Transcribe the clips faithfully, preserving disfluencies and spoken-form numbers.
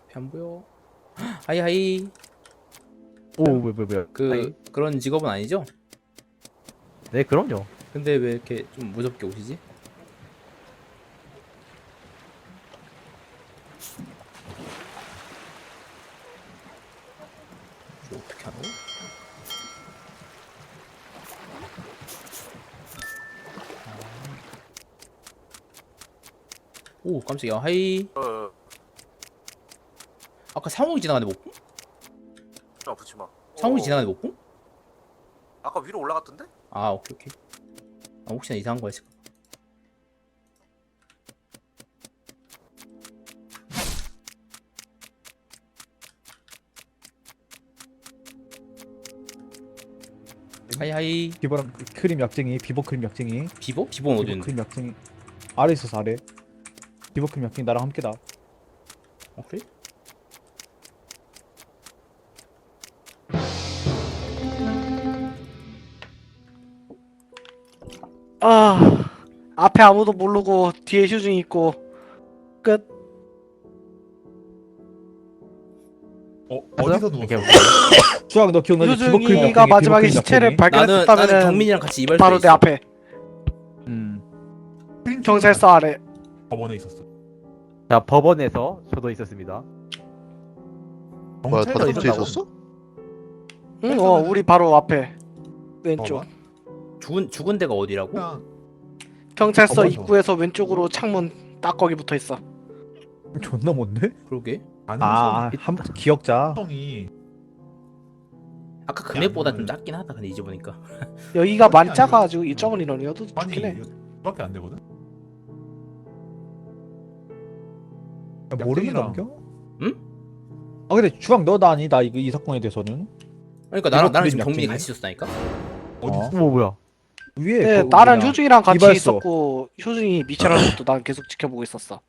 안 보여. 하이 하이. 오, 왜, 왜, 왜. 그 하이. 그런 직업은 아니죠? 네, 그럼요. 근데 왜 이렇게 좀 무섭게 오시지? 이거 어떻게 하노? 오 깜짝이야. 하이. 어, 아까 상욱이 지나가는데 못 봄? 어, 붙지 마. 상욱이 어, 지나가는데 못 봄? 아까 위로 올라갔던데? 아 오케이 오케이. 아, 혹시나 이상한 거 있을까? 하이 하이. 비버랑 크림 약쟁이, 비버 크림 약쟁이, 비보? 비보는 어디 비버 있는데? 크림 약쟁이 아래 있어서 아래. 비버 크림 약쟁이 나랑 함께다. 어 그래? 아, 앞에 아무도 모르고 뒤에 휴중이 있고 끝. 어 어디서 이렇게 누웠어? 주황 너 기억나지? 비버 크림 약쟁이, 휴중이가 마지막에 비버 크림 시체를 약쟁이. 나는 나는 발견했다면은 경민이랑 같이 이발소에 바로 내 있어. 앞에 음. 경찰서 아래. 법원에 있었어. 자, 법원에서 저도 있었습니다. 뭐야 경찰서 다른 데 있었다고? 있었어? 응, 어, 우리 바로 앞에 왼쪽. 법원? 죽은 죽은 데가 어디라고? 그냥 경찰서 법원서. 입구에서 왼쪽으로 창문 딱 거기 붙어 있어. 존나 뭔데? 그러게. 아, 한 기억자. 가능성이 아까 금액보다 좀 야, 작긴 하다. 근데 이제 보니까. 여기가 많이 아니고- 작아가지고 이 적은 인원이어도 아니 좋긴 해. 이거밖에 안 되거든. 야, 모르는 약쟁이랑- 남겨? 응? 아 근데 주황 너나 아니다 이거 이 사건에 대해서는 그러니까 나랑 비버 나랑 크림 지금 경민이 약쟁이? 같이 있었다니까. 어디 어. 있어? 어머, 뭐야. 위에 네, 그 나랑 뭐냐. 휴중이랑 같이 이발소. 있었고 휴중이 미쳐라는 것도 난 계속 지켜보고 있었어.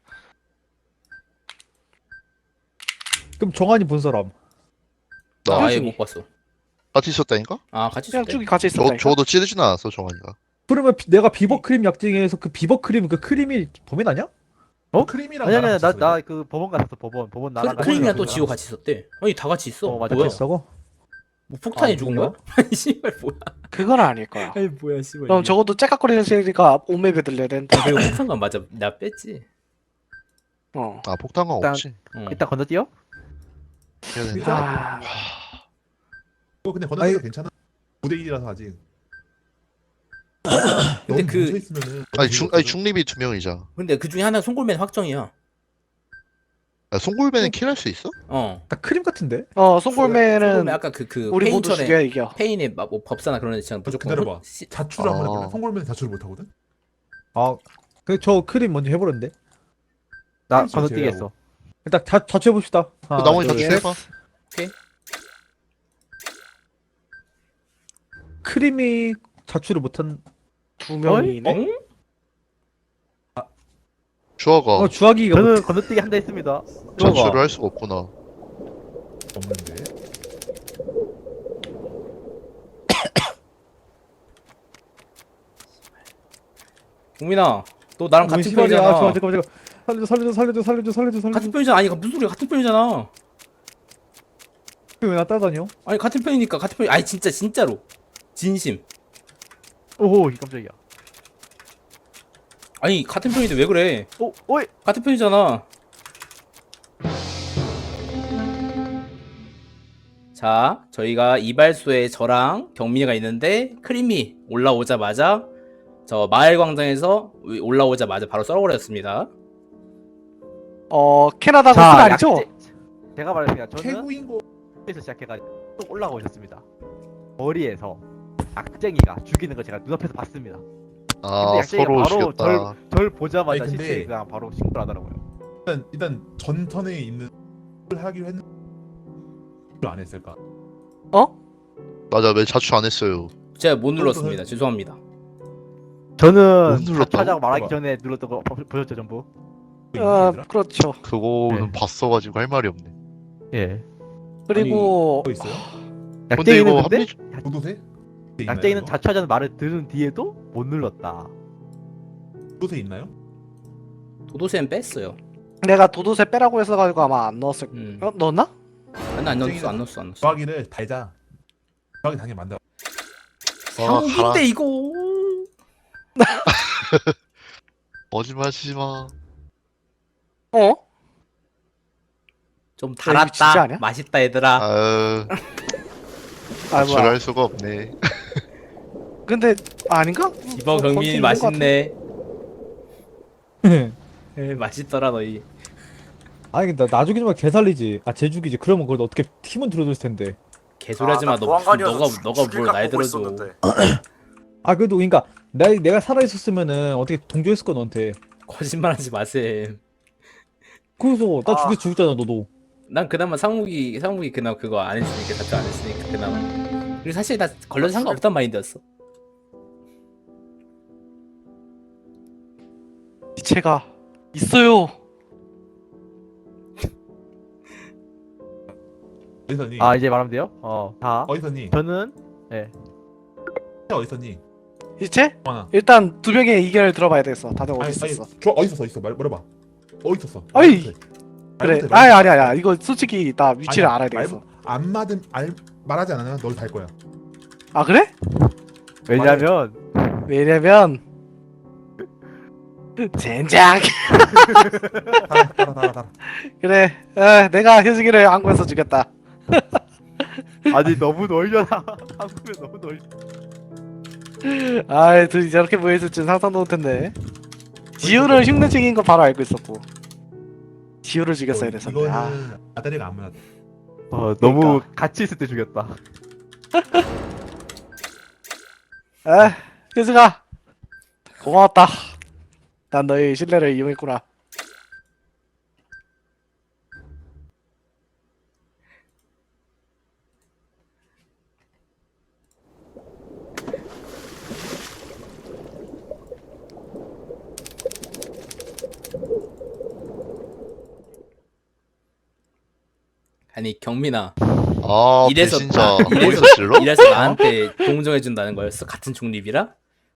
그럼 정한이 본 사람. 나 나 아예 효준이. 못 봤어. 같이 있었다니까? 아 같이 그냥 있었대. 쭉이 같이 저, 있었다니까. 저도 찌르진 않았어 정환이가. 그러면 비- 내가 비버 크림 약쟁이에서 그 비버 크림 그 크림이 범인 아니야? 어? 크림이랑 아니, 아니, 나랑 나, 같이 나 있었어. 그 법원 갔었어, 법원. 법원 나랑 크- 크림이랑 또 갔었어. 지호 같이 있었대. 아니 다 같이 있어. 어, 맞아. 뭐야? 됐어? 뭐 폭탄이 아, 죽은 뭐야? 거야? 아니 씨발 뭐야? 그건 아닐 거야. 아니 뭐야 씨발. 그럼 이게. 적어도 째깍거리는 소리가 온맵에 들려야 되는데. 아, 그리고 폭탄관 맞아. 나 뺐지. 어. 아 폭탄광 일단- 없지. 어. 일단 건너뛰어? 해야 되는데. 일단- 아, 이거 근데 건너뛰어 아니- 괜찮아. 구 대 일이라서 아직. 근데 너무 그- 뭉쳐 있으면은 아니 중 아니 중립이 두 명이자. 근데 그 중에 하나 송골맨 확정이야. 야, 송골배는 킬할 수 있어? 어. 나 크림 같은데? 어, 송골맨 송골매는 아까 그 그 우리 모두 페인천에 죽여야 이겨. 페인의 막 뭐 법사나 그런 애 있잖아. 무조건 기다려봐. 혼- 시- 자출을 한번 아. 해볼래? 송골매는 자출을 못 하거든. 아, 그저 크림 먼저 해보는데. 나 그렇지, 건너뛰기 제외하고. 했어. 일단 다 자취해 봅시다. 그 나머지 자출 해봐. 크림이 자취를 못한. 두 명이네. 응? 주아가 어 주학이가 못. 저는 건너뛰기 한다 했습니다. 자출을 할 수가 없구나. 없는데. 국민아, 너 나랑 뭔 같은 시발이야? 편이잖아. 잠깐 잠깐 잠깐. 살려줘 살려줘 살려줘 살려줘 살려줘 살려줘. 같은 편이잖아. 아니 무슨 소리야? 같은 편이잖아. 왜나 따라다녀? 아니 같은 편이니까 같은 편. 아니 진짜 진짜로. 진심. 오호, 깜짝이야. 아니 같은 편인데 왜 그래? 오, 오이! 같은 편이잖아. 자, 저희가 이발소에 저랑 경민이가 있는데 크림이 올라오자마자 저 마을 광장에서 올라오자마자 바로 썰어버렸습니다. 어, 캐나다 자, 거스 아니죠? 약재- 제가 말했습니다. 저는 최고인 거. 에서 시작해가지고 또 올라오셨습니다. 머리에서 악쟁이가 죽이는 걸 제가 눈앞에서 봤습니다. 아 근데 약쟁이가 서로 바로 죽였다. 절 보자마자 아니, 근데- 시체 그냥 바로 신고를 하더라고요. 일단 일단 전턴에 있는 걸 하기로 했는데 안 했을까? 맞아 왜 자출 안 했어요. 제가 못 눌렀습니다. 죄송합니다. 저는 못 눌렀다고? 자차장 말하기 봐봐. 전에 눌렀던 거 보- 보셨죠 전부? 어, 얘들아? 그렇죠. 그거는 네. 봤어가지고 할 말이 없네. 예. 그리고 뭐 있어요? 근데 약쟁이는 이거 근데 합리 도도새? 약쟁이는 자차하자는 말을 들은 뒤에도 못 눌렀다. 도도새 있나요? 도도새는 뺐어요. 내가 도도새 빼라고 했어가지고 아마 안 넣었을. 음. 어 넣었나? 아니 안 넣었어 안 넣었어 안 넣었어. 조화기를 달자. 조화기 당연히 만들어. 와, 가라. 상욱인데 이거. 거짓말 치지 마. 어? 좀 이거 진짜 달았다. 아니야? 맛있다 얘들아. 아유, 아 뭐야? 자출할 수가 없네. 근데 아닌가? 이번 어, 경민이 거기 있는 것 같은데. 맛있네. 에, 맛있더라 너희. 아니 나 나죽이지 마 개살리지. 아 쟤죽이지. 그러면 그걸 어떻게 팀은 들어줄 텐데. 개소리하지 마. 나 너 보안관이어서 너가 죽- 너가 죽일 뭘 각 날 보고 들어줘. 있었는데. 아 그래도 그러니까 내 내가 살아 있었으면은 어떻게 동조했을 거 너한테. 거짓말하지 마셈. 그래서 나 아. 죽여 죽였잖아 너도. 난 그나마 상욱이 상욱이 그나마 그거 안 했으니까 자주 안 했으니까 그나마. 그리고 사실 나 걸려도 상관없단 마인드였어. 이체가 있어요. 어디서니? 아 이제 말하면 돼요? 어. 자, 어디서니? 저는 예. 어디서니? 이체? 하나. 일단 두 명의 의견을 들어봐야 되겠어. 다들 어디 있었어? 저 어디 있었어? 있어. 말 말해봐. 어디 있었어? 어이! 말해봐. 그래. 말해봐. 아니 아니 아니야. 이거 솔직히 나 위치를 아니야, 알아야 되겠어. 말- 안 맞은 알 말하지 않으면 널 달 거야. 아 그래? 왜냐면 왜냐면 젠장. 달아 달아 달아 달아. 그래. 에, 내가 효승이를 항구에서 죽였다. 아니 너무 놀려라. 한국에 너무 놀. 아이 둘이 저렇게 모여있을 줄 상상도 못했네. 지우를 흉내쟁인 거 바로 알고 있었고. 지우를 죽였어야 됐었네. 아, 이거는 아다리가 안 맞아. 어 너무 그러니까. 같이 있을 때 죽였다. 아, 효승아 고마웠다. 난 너의 신뢰를 이용했구나. 아니 경민아. 아, 이래서 배신자. 이래서 어디서 질러? 이래서 나한테 동정해 준다는 거였어? 같은 중립이라?